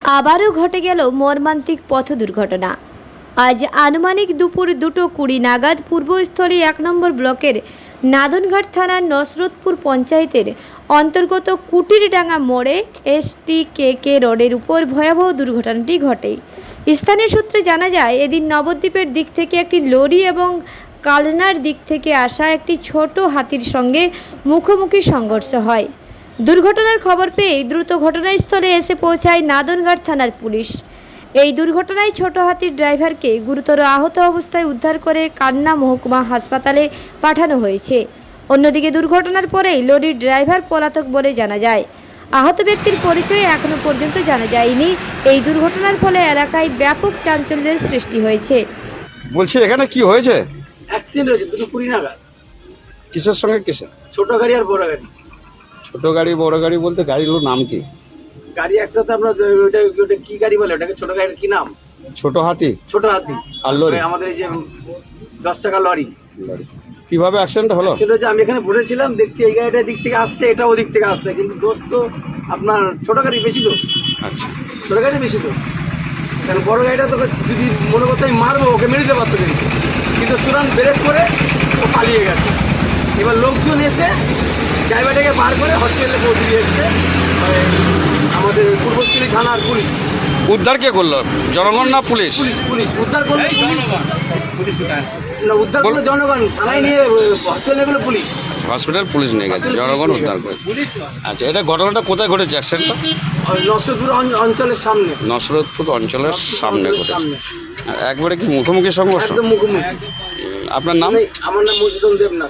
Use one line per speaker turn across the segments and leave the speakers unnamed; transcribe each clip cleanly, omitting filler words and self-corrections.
আবারও ঘটে গেল মর্মান্তিক পথ দুর্ঘটনা। আজ আনুমানিক দুপুর 2:20 নাগাদ পূর্বস্থলী 1 নম্বর ব্লকের নাদনঘাট থানার নসরতপুর পঞ্চায়েতের অন্তর্গত কুটিরডাঙ্গা মোড়ে STKK রোডের উপর ভয়াবহ দুর্ঘটনাটি ঘটে। স্থানীয় সূত্রে জানা যায়, এদিন নবদ্বীপের দিক থেকে একটি লরি এবং কালনার দিক থেকে আসা একটি ছোট হাতির সঙ্গে মুখোমুখি সংঘর্ষ হয়। দুর্ঘটনার খবর পেয়ে দ্রুত ঘটনাস্থলে এসে পৌঁছায় নাদনঘাট থানার পুলিশ। এই দুর্ঘটনায় ছোট হাতির ড্রাইভারকে গুরুতর আহত অবস্থায় উদ্ধার করে কান্না মহকুমা হাসপাতালে পাঠানো হয়েছে। অন্যদিকে দুর্ঘটনার পরেই লরির ড্রাইভার পলাতক বলে জানা যায়। আহত ব্যক্তির পরিচয় এখনো পর্যন্ত জানা যায়নি। এই দুর্ঘটনার ফলে এলাকায় ব্যাপক চাঞ্চল্যের সৃষ্টি হয়েছে।
বলছি এখানে কি হয়েছে?
অ্যাক্সিডেন্ট হয়েছে 2:20 নাগাদ।
কিসের সঙ্গে কিসের?
ছোট গাড়ি আর বড় গাড়ি।
ছোট গাড়ি বড় গাড়ি বলতে গাড়িগুলোর নাম কি?
গাড়ি একটা তো আমরা ওটা কি গাড়ি বলে, ওটাকে ছোট গাড়ির কি নাম?
ছোট হাতি
ছোট হাতি।
আর লরি?
আমাদের এই যে 10 চাকা লরি।
কিভাবে অ্যাক্সিডেন্ট হলো?
সেটা হচ্ছে আমি এখানে বসেছিলাম, দেখছি এই গাড়িটা দিক থেকে আসছে, এটা ওদিক থেকে আসছে, কিন্তু দোষ তো আপনার ছোট গাড়ি বেশি তো।
আচ্ছা,
ছোট গাড়ি বেশি তো, কারণ বড় গাড়িটা তোকে যদি মনে করতে আমি মারবো, ওকে মেরে দিতে পারতো, কিন্তু সুরান ব্রেক করে ও পালিয়ে গেছে। এবার লোকজন এসে ড্রাইভারটাকে বার করে হসপিটালে পৌঁছে দিয়ে এসছে আমাদের পূর্বস্থলী থানার পুলিশ।
উদ্ধার কে করলো? জনগণ না পুলিশ?
পুলিশ পুলিশ উদ্ধার করলো। পুলিশ না, উদ্ধার করলো জনগণ, থানায় নিয়ে হসপিটালে গেলো পুলিশ।
হসপিটাল পুলিশ নিয়ে গেছে, জনগণ উদ্ধার করে। আচ্ছা, এটা ঘটনাটা কোথায় ঘটেছে অ্যাক্সিডেন্টটা?
নসরতপুর অঞ্চলের সামনে।
নসরতপুর অঞ্চলের সামনে ঘটেছে। আর একবারে কি মুখোমুখি সংঘর্ষ?
একদম মুখোমুখি।
আপনার নাম?
আমার নাম মধুসূদন দেবনাথ।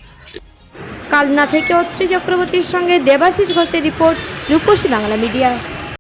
কালনা থেকে অত্রি চক্রবর্তীর সঙ্গে দেবাশিস ঘোষের রিপোর্ট, রূপসী বাংলা মিডিয়া।